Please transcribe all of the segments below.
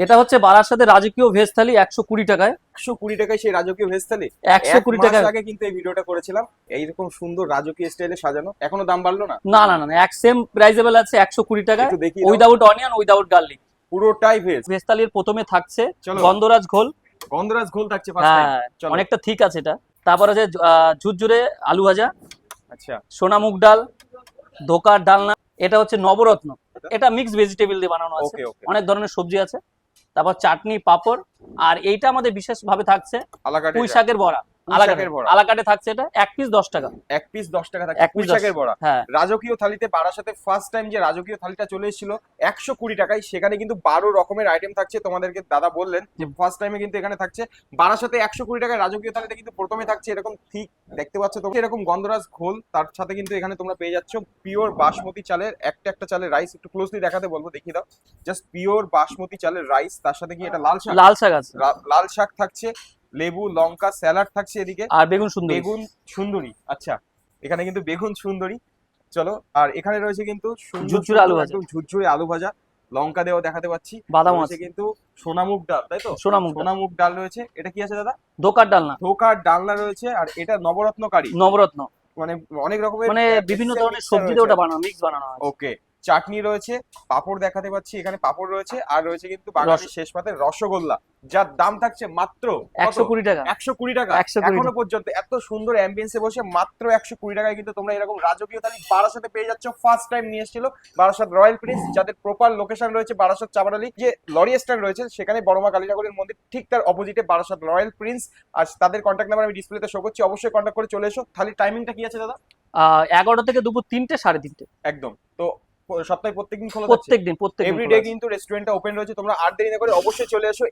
এটা হচ্ছে বারাসাতে রাজকীয় ভেজ থালি 120 টাকায়। 120 টাকায় সেই রাজকীয় ভেজ থালি। 120 টাকায় আগে কিন্তু এই ভিডিওটা করেছিলাম, এইরকম সুন্দর রাজকীয় স্টাইলে সাজানো। এখনো দাম বাড়লো না? না না না না, এক সেম প্রাইজেবল আছে 120 টাকায়, একটু দেখি উইদাউট অনিয়ন উইদাউট গার্লিক। পুরোটাই ভেজ। ভেজ থালির প্রথমে থাকছে চলো। গন্ধরাজ ঘোল। গন্ধরাজ ঘোল থাকছে ফার্স্ট টাইম। হ্যাঁ, চলো। অনেকটা ঠিক আছে এটা। তারপর আছে ঝুরঝুরে আলু ভাজা, আচ্ছা, সোনা মুগ ডাল, ধোকার ডালনা। এটা হচ্ছে নবরত্ন, এটা মিক্স ভেজিটেবল দিয়ে বানানো আছে, ওকে ওকে। অনেক ধরনের সবজি আছে। তারপর চাটনি, পাপড়। আর এইটা আমাদের বিশেষ ভাবে থাকছে আলাকাটে পুঁই শাকের বড়া। শাকের বড়া। আলাকাটে থাকছে এটা, এক পিস 10 টাকা। এক পিস 10 টাকা থাকে। এক পুঁই পিস শাকের বড়া। হ্যাঁ। রাজকীয় থালিতে বারাসাতে ফার্স্ট টাইম যে রাজকীয় থালিটা চলে এসেছিল 120 টাকায়, সেখানে কিন্তু 12 রকমের আইটেম থাকছে। তোমাদেরকে দাদা বললেন যে ফার্স্ট টাইমে কিন্তু এখানে থাকছে বারাসাতে 120 টাকায় রাজকীয় থালিতে কিন্তু প্রথমে থাকছে এরকম ঠিক দেখতে পাচ্ছ তোমরা এরকম গন্ধরাজ ঘোল। তার সাথে কিন্তু এখানে তোমরা পেয়ে যাচ্ছ পিওর বাসমতি চালের একটা একটা চালের রাইস। একটু ক্লোজলি দেখাতে বলবো, দেখিয়ে দাও। জাস্ট পিওর বাসমতি চালের রাইস, তার সাথে কি এটা লাল শাক? লাল শাক আছে, লাল শাক থাকছে, লেবু, লঙ্কা, স্যালাড থাকছে এদিকে, আর বেগুন সুন্দরী। বেগুন সুন্দরী। আচ্ছা, এখানে কিন্তু বেগুন সুন্দরী। চলো, আর এখানে রয়েছে কিন্তু ঝুরঝুরে আলু ভাজা। একদম ঝুরঝুরে আলু ভাজা, লঙ্কা দেওয়া দেখাতে পাচ্ছি, বাদাম রয়েছে আছে কিন্তু সোনামুগ ডাল, তাই তো? সোনামুগ ডাল। সোনামুগ ডাল রয়েছে। এটা কি আছে দাদা? ধোকার ডালনা। ধোকার ডালনা রয়েছে। আর এটা নবরত্ন কারি, নবরত্ন, মানে অনেক রকমের মানে বিভিন্ন ধরনের সবজি দিয়ে ওটা বানানো, মিক্স বানানো আছে। ওকে। চাটনি রয়েছে, পাপড় দেখাতে পাচ্ছি, এখানে পাপড় রয়েছে, আর রয়েছে কিন্তু বাঙালির শেষ পাতে রসগোল্লা, যার দাম থাকছে মাত্র 120 টাকা। 120 টাকা। 120 এখনো পর্যন্ত এত সুন্দর অ্যাম্বিয়েন্সে বসে মাত্র 120 টাকায় কিন্তু তোমরা এরকম রাজকীয় থালি বারাসাতে পেয়ে যাচ্ছ। ফার্স্ট টাইম নিয়ে এসেছিল বারাসাত রয়্যাল প্রিন্স, যাদের প্রপার লোকেশন রয়েছে বারাসাত চাবারালি, যে লরি স্ট্যান্ড রয়েছে সেখানে বড়মা কালীনগরের মন্দির ঠিক তার অপোজিটে বারাসাত রয়্যাল প্রিন্স। আর তাদের কন্ট্যাক্ট নাম্বার আমি ডিসপ্লেতে শো করছি, অবশ্যই কন্ট্যাক্ট করে চলে এসো। থালির টাইমিংটা কি আছে দাদা? 11টা থেকে দুপুর 3টে 3:30। একদম। তো সপ্তাহে প্রত্যেকদিন খোলা থাকছে? প্রত্যেকদিন এভরিডে কিন্তু রেস্টুরেন্টটা ওপেন রয়েছে। তোমরা আর দেরি না করে অবশ্যই চলে এসো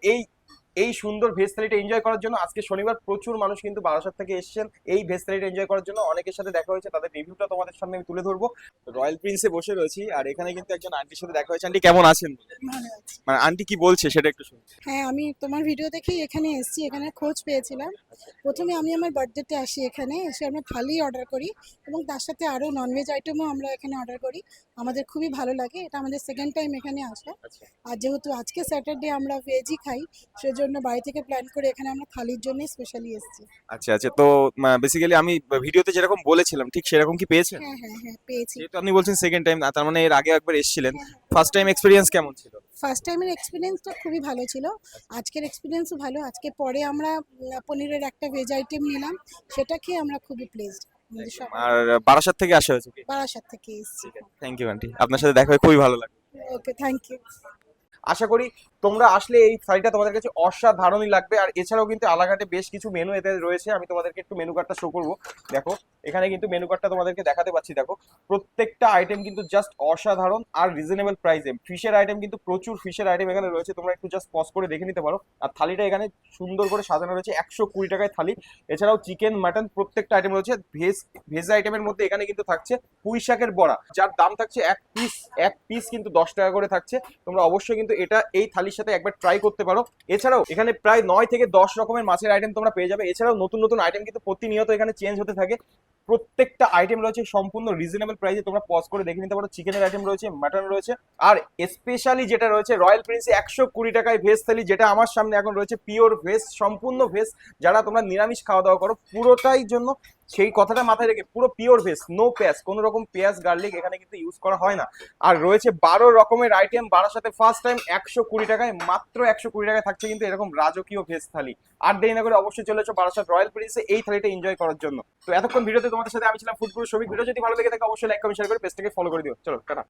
এই সুন্দর ভেজ থালিটা এনজয় করার জন্য। আজকে শনিবার, প্রচুর মানুষ কিন্তু বারাসাত থেকে এসেছেন এই ভেজ থালিটা এনজয় করার জন্য। অনেকের সাথে দেখা হয়েছে, তাদের রিভিউটা তোমাদের সামনে আমি তুলে ধরবো। রয়্যাল প্রিন্সে বসে রয়েছি, আর এখানে কিন্তু একজন আন্টির সাথে দেখা হয়েছে। আন্টি কেমন আছেন? ভালো আছি। মানে আন্টি কি বলছে সেটা একটু শুনি। হ্যাঁ, আমি তোমার ভিডিও দেখেই এখানে এসেছি, এখানে খোঁজ পেয়েছিলাম। প্রথমে আমি আমার বার্থডেতে আসি, এখানে এসে আমরা থালি অর্ডার করি এবং তার সাথে আরও ননভেজ আইটেমও আমরা এখানে অর্ডার করি। আমাদের খুবই ভালো লাগে, এটা আমাদের সেকেন্ড টাইম এখানে আসা। আর যেহেতু আজকে স্যাটারডে আমরা ভেজই খাই, সেজন্য বাড়ি থেকে প্ল্যান করে এখানে আমরা থালির জন্য স্পেশালি এসেছি। আচ্ছা আচ্ছা, তো বেসিক্যালি আমি ভিডিওতে যেরকম বলেছিলাম ঠিক সেরকম কি পেয়েছেন? হ্যাঁ হ্যাঁ হ্যাঁ, পেয়েছি। যেহেতু আপনি বলছেন সেকেন্ড টাইম, তার মানে এর আগে একবার এসেছিলেন। ফার্স্ট টাইম এক্সপেরিয়েন্স কেমন ছিল? ফার্স্ট টাইমের এক্সপিরিয়েন্সটা খুবই ভালো ছিল, আজকের এক্সপিরিয়েন্সও ভালো। আজকে পরে আমরা পনিরের একটা ভেজ আইটেম নিলাম, সেটা খেয়ে আমরা খুবই প্লেসড। আর বারাসাত থেকে আসা হয়েছে কি? বারাসাত থেকে এসেছি। থ্যাংক ইউ আন্টি, আপনার সাথে দেখা হয়ে খুবই ভালো লাগলো। ওকে, থ্যাংক ইউ। আশা করি তোমরা আসলে এই থালিটা তোমাদের কাছে অসাধারণই লাগবে। আর এছাড়াও কিন্তু আলাঘাটে বেশ কিছু মেনু এতে রয়েছে, আমি তোমাদেরকে একটু মেনু কার্ডটা শো করবো। দেখো, এখানে কিন্তু মেনু কার্ডটা তোমাদেরকে দেখাতে পাচ্ছি। দেখো, প্রত্যেকটা আইটেম কিন্তু জাস্ট অসাধারণ আর রিজনেবল প্রাইসে। ফিশের আইটেম কিন্তু প্রচুর ফিশের আইটেম এখানে রয়েছে, তোমরা একটু জাস্ট পজ করে দেখে নিতে পারো। আর থালিটা এখানে সুন্দর করে সাজানো রয়েছে 120 টাকায় থালি। এছাড়াও চিকেন, মাটন প্রত্যেকটা আইটেম রয়েছে। ভেজ আইটেমের মধ্যে এখানে কিন্তু থাকছে পুঁই শাকের বড়া, যার দাম থাকছে এক পিস কিন্তু 10 টাকা করে থাকছে। তোমরা অবশ্যই কিন্তু এটা এই থালির সাথে একবার ট্রাই করতে পারো। এছাড়াও এখানে প্রায় 9 থেকে 10 রকমের মাছের আইটেম তোমরা পেয়ে যাবে। এছাড়াও নতুন নতুন আইটেম কিন্তু প্রতিনিয়ত এখানে চেঞ্জ হতে থাকে। প্রত্যেকটা আইটেম রয়েছে সম্পূর্ণ রিজনেবল প্রাইসে, তোমরা পজ করে দেখে নিতে পারো। চিকেনের আইটেম রয়েছে, মাটন রয়েছে, আর স্পেশালি যেটা রয়েছে রয়্যাল প্রিন্সে 120 টাকায় ভেজ থালি, যেটা আমার সামনে এখন রয়েছে পিওর ভেজ, সম্পূর্ণ ভেজ। যারা তোমরা নিরামিষ খাওয়া দাওয়া করো পুরোটাই জন্য সেই কথাটা মাথায় রেখে পুরো পিওর ভেজ, নো পেঁয়াজ, কোনো রকম পেঁয়াজ গার্লিক এখানে কিন্তু ইউজ করা হয় না। আর রয়েছে 12 রকমের আইটেম। বারাসাতে ফার্স্ট টাইম 120 টাকায়, মাত্র 120 টাকায় থাকছে কিন্তু এরকম রাজকীয় ভেজ থালি। আর দেরি না করে অবশ্যই চলে এসো বারাসাত রয়্যাল প্রিন্সে এই থালিটা এনজয় করার জন্য। তো এতক্ষণ ভিডিওতে তোমাদের সাথে আমি ছিলাম ফুডপুর শফিক। ভিডিও যদি ভালো লেগে থাকে অবশ্যই লাইক কমেন্ট শেয়ার করে পেজটাকে ফলো করে দিও। চলো টাটা।